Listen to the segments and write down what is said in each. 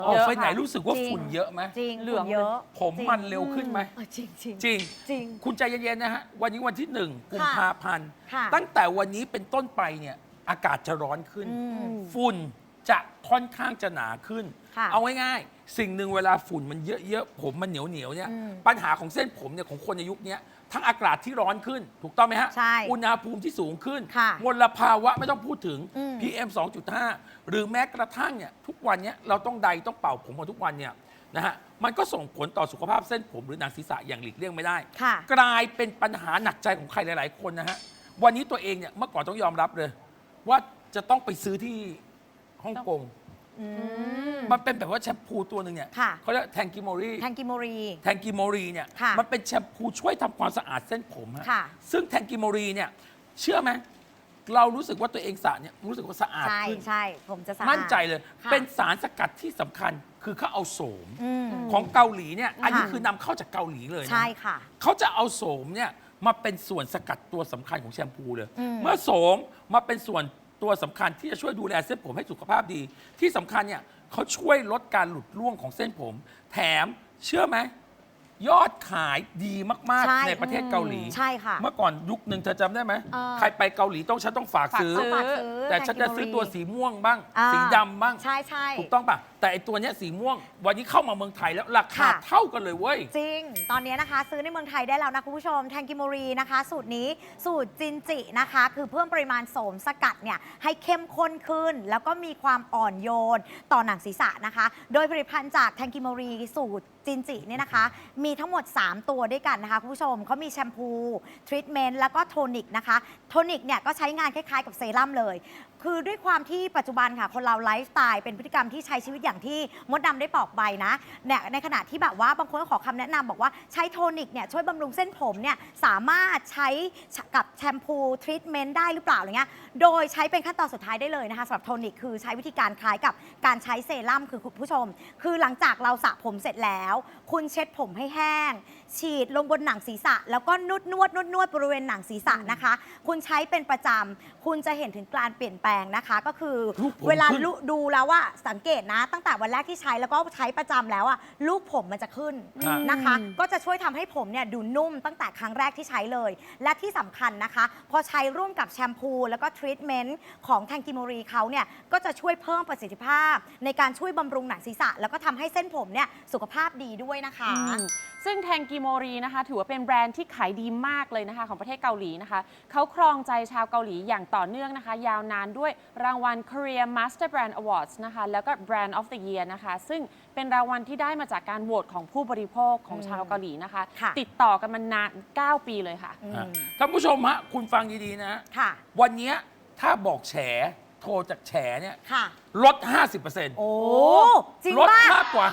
ออกไปไหนเยอะค่ะรู้สึกว่าจริงฝุ่นเยอะไหมจริงเหลืองเยอะผมจริงมันเร็วขึ้นไหมจริงจริงจริงจริงคุณใจเย็นๆนะฮะ วันนี้วันที่ 1 กุมภาพันธ์ค่ะตั้งแต่วันนี้เป็นต้นไปเนี่ยอากาศจะร้อนขึ้นอืมฝุ่นจะค่อนข้างจะหนาขึ้นค่ะเอาง่ายๆสิ่งหนึ่งเวลาฝุ่นมันเยอะๆผมมันเหนียวๆเนี่ยอืมปัญหาของเส้นผมเนี่ยของคนในยุคเนี้ยทั้งอากาศที่ร้อนขึ้น ถูกต้องไหมฮะใช่อุณหภูมิที่สูงขึ้นค่ะมลภาวะไม่ต้องพูดถึงอืม PM 2.5 หรือแม้กระทั่งเนี่ยทุกวันเนี้ยเราต้องใดต้องเป่าผมกันทุกวันเนี่ยนะฮะมันก็ส่งผลต่อสุขภาพเส้นผมหรือหนังศีรษะอย่างหลีกเลี่ยงไม่ได้ค่ะกลายเป็นปัญหาหนักใจของใครหลาย ๆ คนนะฮะ วันนี้ตัวเองเนี่ยเมื่อก่อนต้องยอมรับเลย ว่าจะต้องไปซื้อที่ฮ่องกงอืมมันเป็นแบบว่าแชมพูตัวหนึ่งเนี่ยค่ะเขาเรียกแทงกิโมรีแทงกิโมรีแทงกิโมรีเนี่ยค่ะมันเป็นแชมพูช่วยทำความสะอาดเส้นผมฮะค่ะซึ่งแทงกิโมรีเนี่ยเชื่อไหมเรารู้สึกว่าตัวเองสระเนี่ยรู้สึกว่าสะอาดใช่ขึ้นใช่ผมจะสะอาดมั่นใจเลยค่ะเป็นสารสกัดที่สำคัญคือเขาเอาโสมอืมของเกาหลีเนี่ยอันนี้ค่ะคือนำเข้าจากเกาหลีเลยนะใช่ค่ะเขาจะเอาโสมเนี่ยมาเป็นส่วนสกัดตัวสำคัญของแชมพูเลยอืมเมื่อโสมมาเป็นส่วนตัวสำคัญที่จะช่วยดูแลเส้นผมให้สุขภาพดี ที่สำคัญเนี่ยเขาช่วยลดการหลุดร่วงของเส้นผม แถมเชื่อไหมยอดขายดีมากใช่ๆ ในประเทศเกาหลีใช่ค่ะเมื่อก่อนยุคหนึ่งเธอจำได้ไหมเออใครไปเกาหลีฉันต้องฝากซื้อต้องฝากซื้อแต่ฉันจะซื้อตัวสีม่วงบ้างอ่าสีดำบ้างใช่ใช่ถูกต้องป่ะ แต่ไอตัวเนี้ยสีม่วง วันนี้เข้ามาเมืองไทยแล้วราคาค่ะเท่ากันเลยเว้ยจริง ตอนนี้นะคะ ซื้อในเมืองไทยได้แล้วนะคุณผู้ชมแทงกิโมรีนะคะ สูตรนี้สูตรจินจินะคะ คือเพิ่มปริมาณโสมสกัดเนี่ยให้เข้มข้นขึ้น แล้วก็มีความอ่อนโยนต่อหนังศีรษะนะคะ โดยผลิตภัณฑ์จากแทงกิโมรีสูตรจินจิเนี่ยนะคะ มีทั้งหมด 3 ตัวด้วยกันนะคะคุณผู้ชมเขามีแชมพูทรีทเมนต์แล้วก็โทนิกนะคะโทนิกเนี่ยก็ใช้งานคล้ายๆกับเซรั่มเลย คือด้วยความที่ปัจจุบันค่ะ คนเราไลฟ์สไตล์เป็นพฤติกรรมที่ใช้ชีวิตอย่างที่มดดำได้บอกไปนะเนี่ยในขณะที่แบบว่าบางคนก็ขอคำแนะนำบอกว่าใช้โทนิกเนี่ยช่วยบำรุงเส้นผมเนี่ยสามารถใช้กับแชมพูทรีทเมนต์ได้หรือเปล่าอะไรเงี้ยโดยใช้เป็นขั้นตอนสุดท้ายได้เลยนะคะสำหรับโทนิกคือใช้วิธีการคล้ายกับการใช้เซรั่มคือคุณผู้ชม คือหลังจากเราสระผมเสร็จแล้ว คุณเช็ดผมให้แห้ง ฉีดลงบนหนังศีรษะ แล้วก็นวดบริเวณหนังศีรษะนะคะ คุณใช้เป็นประจำคุณจะเห็นถึงการเปลี่ยนแปลงนะคะ ก็คือลูกผมเวลาขึ้นดูแล้วว่าสังเกตนะ ตั้งแต่วันแรกที่ใช้แล้วก็ใช้ประจำแล้วอะลูกผมมันจะขึ้นฮะนะคะ ก็จะช่วยทำให้ผมเนี่ยดูนุ่มตั้งแต่ครั้งแรกที่ใช้เลย และที่สำคัญนะคะ พอใช้ร่วมกับแชมพูแล้วก็ทรีทเมนต์ของแทงกิโมรีเขาเนี่ยก็จะช่วยเพิ่มประสิทธิภาพ ในการช่วยบำรุงหนังศีรษะ แล้วก็ทำให้เส้นผมเนี่ยสุขภาพดีด้วยนะคะซึ่งแทงกิโมรีนะคะถือว่าเป็นแบรนด์ที่ขายดีมากเลยนะคะของประเทศเกาหลีนะคะเขาครองใจชาวเกาหลีอย่างต่อเนื่องนะคะ ยาวนานด้วยรางวัล Korea Master Brand Awards นะคะแล้วก็ Brand of the Year นะคะซึ่งเป็นรางวัลที่ได้มาจากการโหวตของผู้บริโภคของชาวเกาหลีนะคะค่ะติดต่อกันมานาน 9 ปีเลยค่ะฮะท่านผู้ชมฮะคุณฟังดีๆนะค่ะวันเนี้ยถ้าบอกแฉโทรจากแฉเนี่ยค่ะลด 50% โอ้ จริงลดป่ะมากกว่า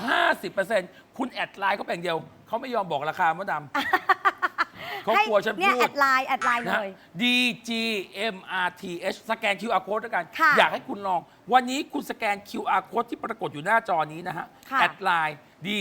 50%คุณแอดไลน์เขาเป็นเดียว เขาไม่ยอมบอกราคามดดำ เขากลัวฉันเนี่ยพูแอดดไลน์เลนะย DGMRTH สแกน QR code ด้วยกันค่ะอยากให้คุณลอง วันนี้คุณสแกน QR code ที่ปรากฏอยู่หน้าจอนี้นะฮะค่ะแอดไลน์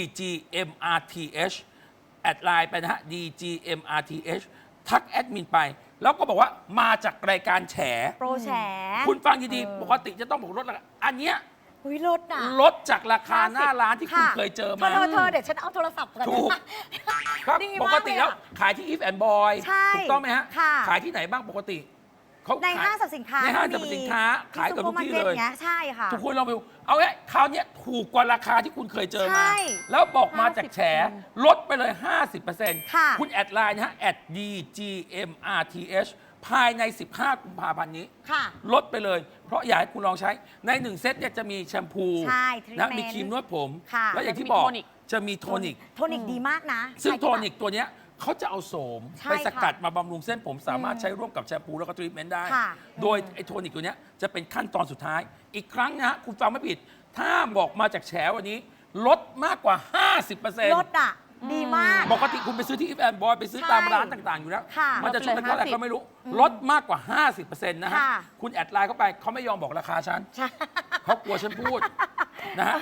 DGMRTH แอดไลน์ไปนะฮะ DGMRTH ทักแอดมินไป แล้วก็บอกว่ามาจากรายการแฉโปรแฉคุณฟังดีๆ ปกติจะต้องบอกลดราคาอันเนี้ยหุยลดอ่ะลดจากราคาหน้าร้านที่คุณเคยเจอมาเธอเดี๋ยวฉันเอาโทรศัพท์กันถูก ครับดีปมากกติแล้วเลยอะขายที่ If and Boy ใช่ถูกต้องไหมฮะค่ะขายที่ไหนบ้างปกติเขาในขยห้างสรรพสินค้าในห้างสรรพสินค้าขายกับทุกที่เลยเงี้ยใช่ค่ะทุกคนลองไปดูเอาไงคราวเนี้ยถูกกว่าราคาที่คุณเคยเจอมาใช่แล้วบอกมาจากแฉ 50% ลดไปเลย 50% ค่ะคุณแอดไลน์นะฮะ @DGMRTH ภายใน 15 กุมภาพันธ์นี้ค่ะลดไปเลย เพราะอยากให้คุณลองใช้ใน 1 เซตเนี่ยจะมีแชมพูใช่นะ treatment มีครีมนวดผมค่ะแล้วอย่างที่บอกแล้วมีโทนิกจะมีโทนิกโทนิกดีมากนะซึ่งใครโทที่แบบนิกตัวเนี้ยเขาจะเอาโสมใช่ไปสกัดค่ะมาบำรุงเส้นผมสามารถใช้ร่วมกับแชมพูแล้วก็ทรีทเมนต์ได้ค่ะโดยไอ้โทนิกตัวเนี้ยจะเป็นขั้นตอนสุดท้าย อีกครั้งนะฮะคุณฟังไม่ผิด ถ้าบอกมาจากแฉวันนี้ ลดมากกว่า 50% ลดอ่ะ ดีมากปกติคุณไปซื้อที่อีฟแอนบอยไปซื้อตามร้านต่างๆอยู่แล้วค่ะมันจะชุดละเท่าไหร่ลดไปเลยก็ไม่รู้ ลดมากกว่า 50%นะฮะค่ะคุณแอดไลน์เข้าไปเขาไม่ยอมบอกราคาฉันใช่เขากลัวฉันพูด นะฮะ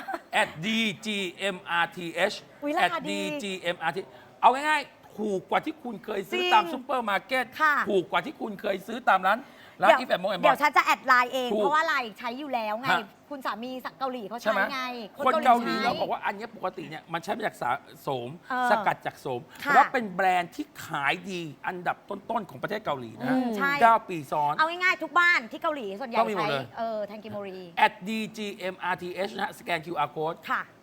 @DGMRTH อุ๊ยราคาดี @DGMRTH เอาง่ายๆ ถูกกว่าที่คุณเคยซื้อจริงตามซุปเปอร์มาร์เก็ตค่ะถูกกว่าที่คุณเคยซื้อตามร้านร้าน If and More and เดี๋ยว More ฉันจะแอดไลน์เองถูกเพราะว่าไลน์ใช้อยู่แล้วไงฮะคุณสามีเกาหลีเขาใช่ใช้ไหมไงคนเกาหลีใช้เราบอกว่าอันเนี้ยปกติเนี่ยมันใช้มาจากโสมเออสกัดจากโสมค่ะแล้วเป็นแบรนด์ที่ขายดีอันดับต้นๆของประเทศเกาหลีนะใช่ 9 ปีซ้อนเอาง่ายๆทุกบ้านที่เกาหลีส่วนใหญ่ต้องมีหมดใช้เลยแทงกิโมรี @DGMRTH นะฮะสแกน QR code ค่ะ